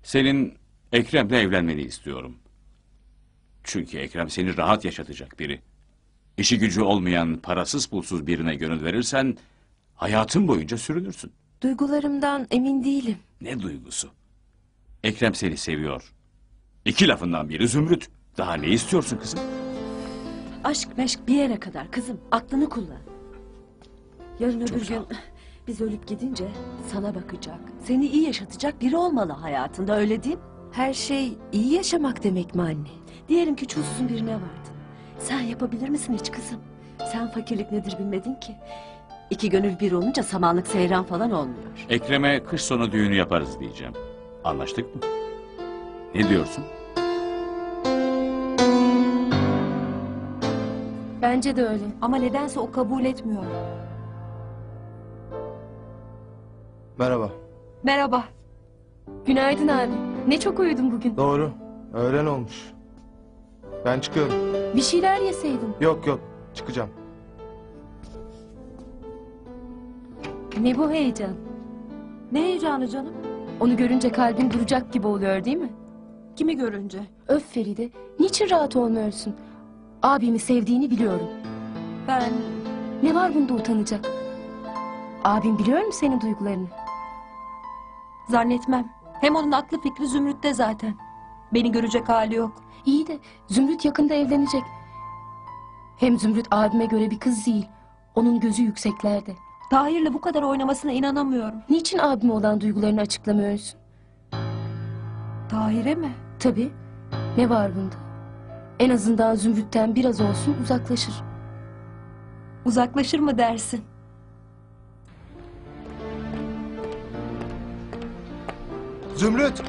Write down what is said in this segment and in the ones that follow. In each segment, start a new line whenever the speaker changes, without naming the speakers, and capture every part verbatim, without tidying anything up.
Senin Ekrem'le evlenmeni istiyorum. Çünkü Ekrem seni rahat yaşatacak biri. İşi gücü olmayan, parasız pulsuz birine gönül verirsen hayatın boyunca sürünürsün.
Duygularımdan emin değilim.
Ne duygusu? Ekrem seni seviyor. İki lafından biri Zümrüt. Daha ne istiyorsun kızım?
Aşk meşk bir yere kadar kızım. Aklını kullan. Yarın öbür
sağ
gün
ol.
biz ölüp gidince sana bakacak, seni iyi yaşatacak biri olmalı hayatında, öyle değil mi? Her şey iyi yaşamak demek mi anne? Diyelim ki çulsuzun birine vardın. Sen yapabilir misin hiç kızım? Sen fakirlik nedir bilmedin ki. İki gönül bir olunca samanlık seyran falan olmuyor.
Ekrem'e kış sonu düğünü yaparız diyeceğim. Anlaştık mı? Ne diyorsun?
Bence de öyle ama nedense o kabul etmiyor.
Merhaba.
Merhaba. Günaydın abi. Ne çok uyudun bugün.
Doğru. Öğlen olmuş. Ben çıkıyorum.
Bir şeyler yeseydin.
Yok yok. Çıkacağım.
Ne bu heyecan?
Ne heyecanı canım?
Onu görünce kalbin duracak gibi oluyor değil mi?
Kimi görünce?
Öf Feride. Niçin rahat olmuyorsun? Abimi sevdiğini biliyorum.
Ben...
Ne var bunda utanacak? Abim biliyor mu senin duygularını?
Zannetmem. Hem onun aklı fikri Zümrüt'te zaten. Beni görecek hali yok.
İyi de Zümrüt yakında evlenecek. Hem Zümrüt abime göre bir kız değil. Onun gözü yükseklerde.
Tahir'le bu kadar oynamasına inanamıyorum.
Niçin abime olan duygularını açıklamıyorsun?
Tahir'e mi?
Tabii. Ne var bunda? En azından Zümrüt'ten biraz olsun uzaklaşır.
Uzaklaşır mı dersin?
Zümrüt!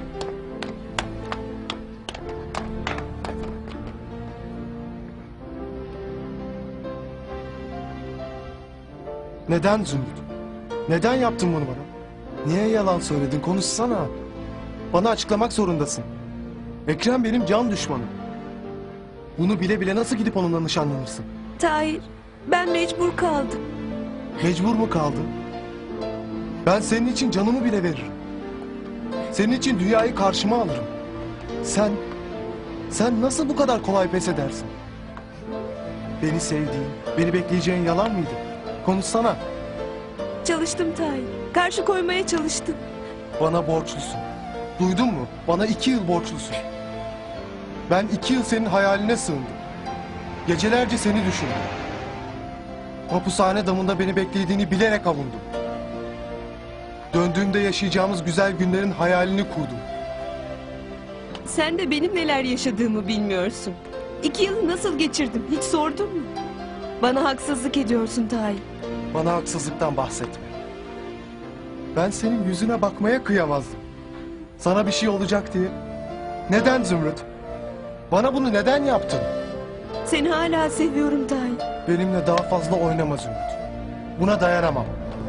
Neden Zümrüt? Neden yaptın bunu bana? Niye yalan söyledin? Konuşsana. Bana açıklamak zorundasın. Ekrem benim can düşmanım. Bunu bile bile nasıl gidip onunla nişanlanırsın?
Tahir, ben mecbur kaldım.
Mecbur mu kaldın? Ben senin için canımı bile veririm. Senin için dünyayı karşıma alırım. Sen, sen nasıl bu kadar kolay pes edersin? Beni sevdiğin, beni bekleyeceğin yalan mıydı? Konuşsana.
Çalıştım Tahir. Karşı koymaya çalıştım.
Bana borçlusun. Duydun mu? Bana iki yıl borçlusun. Ben iki yıl senin hayaline sığındım. Gecelerce seni düşündüm. Hapushane damında beni beklediğini bilerek avundum. Döndüğümde yaşayacağımız güzel günlerin hayalini kurdum.
Sen de benim neler yaşadığımı bilmiyorsun. İki yılı nasıl geçirdim hiç sordun mu? Bana haksızlık ediyorsun Tahir.
Bana haksızlıktan bahsetme. Ben senin yüzüne bakmaya kıyamazdım. Sana bir şey olacak diye. Neden Zümrüt? Bana bunu neden yaptın?
Seni hala seviyorum Tahir.
Benimle daha fazla oynama Zümrüt. Buna dayanamam.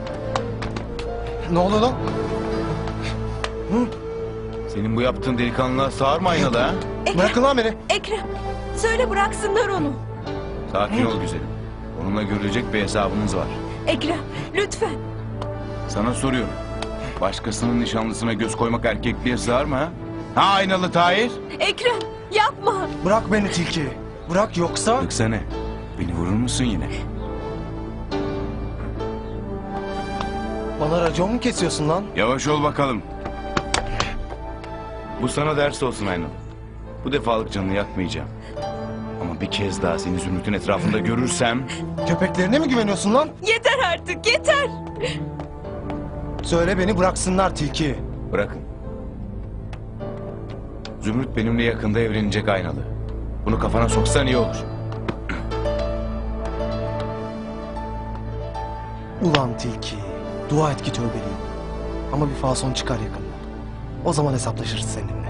Ne oluyor lan? Hı?
Senin bu yaptığın delikanlılığa sığar mı aynalı ha?
Bırakın lan beni.
Ekrem, söyle bıraksınlar onu.
Sakin ol güzelim. Onunla görülecek bir hesabımız var.
Ekrem, lütfen.
Sana soruyorum. Başkasının nişanlısına göz koymak erkekliğe sığar mı ha? Ha aynalı Tahir?
Ekrem, yapma.
Bırak beni tilki. Bırak yoksa...
Yoksa ne? Beni vurur musun yine?
Bana racon mu kesiyorsun lan?
Yavaş ol bakalım. Bu sana ders olsun aynalı. Bu defalık canını yakmayacağım. Ama bir kez daha seni Zümrüt'ün etrafında görürsem...
Köpeklerine mi güveniyorsun lan?
Yeter artık, yeter.
Söyle beni bıraksınlar tilki.
Bırakın. Zümrüt benimle yakında evlenecek aynalı. Bunu kafana soksan iyi olur.
Ulan tilki. Dua et ki tövbeliyim. Ama bir fason çıkar yakında. O zaman hesaplaşırız seninle.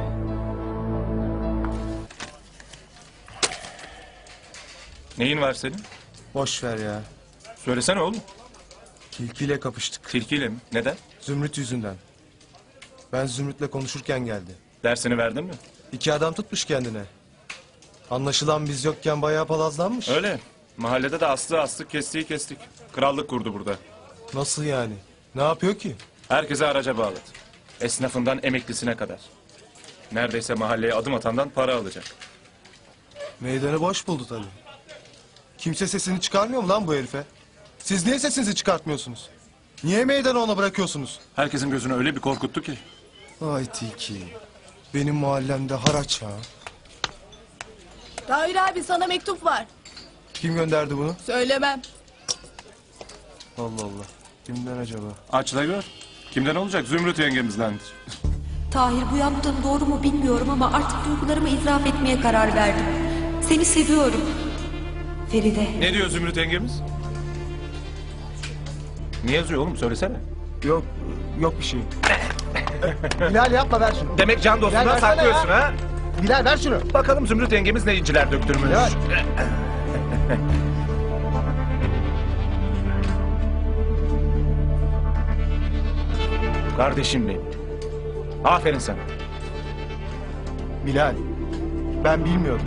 Neyin var senin?
Boş ver ya.
Söylesene oğlum.
Tilkiyle kapıştık.
Tilkiyle mi? Neden?
Zümrüt yüzünden. Ben Zümrüt'le konuşurken geldi.
Dersini verdin mi?
İki adam tutmuş kendine. Anlaşılan biz yokken bayağı palazlanmış.
Öyle. Mahallede de aslı aslı kestiği kestik. Krallık kurdu burada.
Nasıl yani? Ne yapıyor ki?
Herkese araca bağladı. Esnafından emeklisine kadar. Neredeyse mahalleye adım atandan para alacak.
Meydanı boş buldu tabii. Kimse sesini çıkarmıyor mu lan bu herife? Siz niye sesinizi çıkartmıyorsunuz? Niye meydanı ona bırakıyorsunuz?
Herkesin gözünü öyle bir korkuttu ki.
Ay Tilki. Benim mahallemde haraç ha.
Tahir abi sana mektup var.
Kim gönderdi bunu?
Söylemem.
Allah Allah. Kimden acaba?
Aç da gör. Kimden olacak? Zümrüt yengemizdendir.
Tahir, bu yaptığım doğru mu bilmiyorum ama artık duygularımı itiraf etmeye karar verdim. Seni seviyorum. Feride.
Ne diyor Zümrüt yengemiz? Ne yazıyor oğlum? Söylesene.
Yok, yok bir şey. Bilal yapma, ver şunu.
Demek can dostundan
Gel versene
saklıyorsun
ya.
ha?
Bilal ver şunu.
Bakalım Zümrüt yengemiz ne inciler döktürmüş.
Bilal.
Kardeşim benim. Aferin sana.
Bilal, ben bilmiyordum.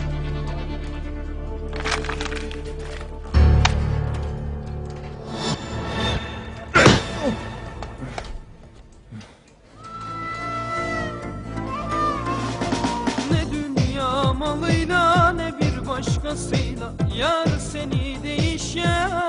Ne dünya malıyla ne bir başkasıyla yar seni değişen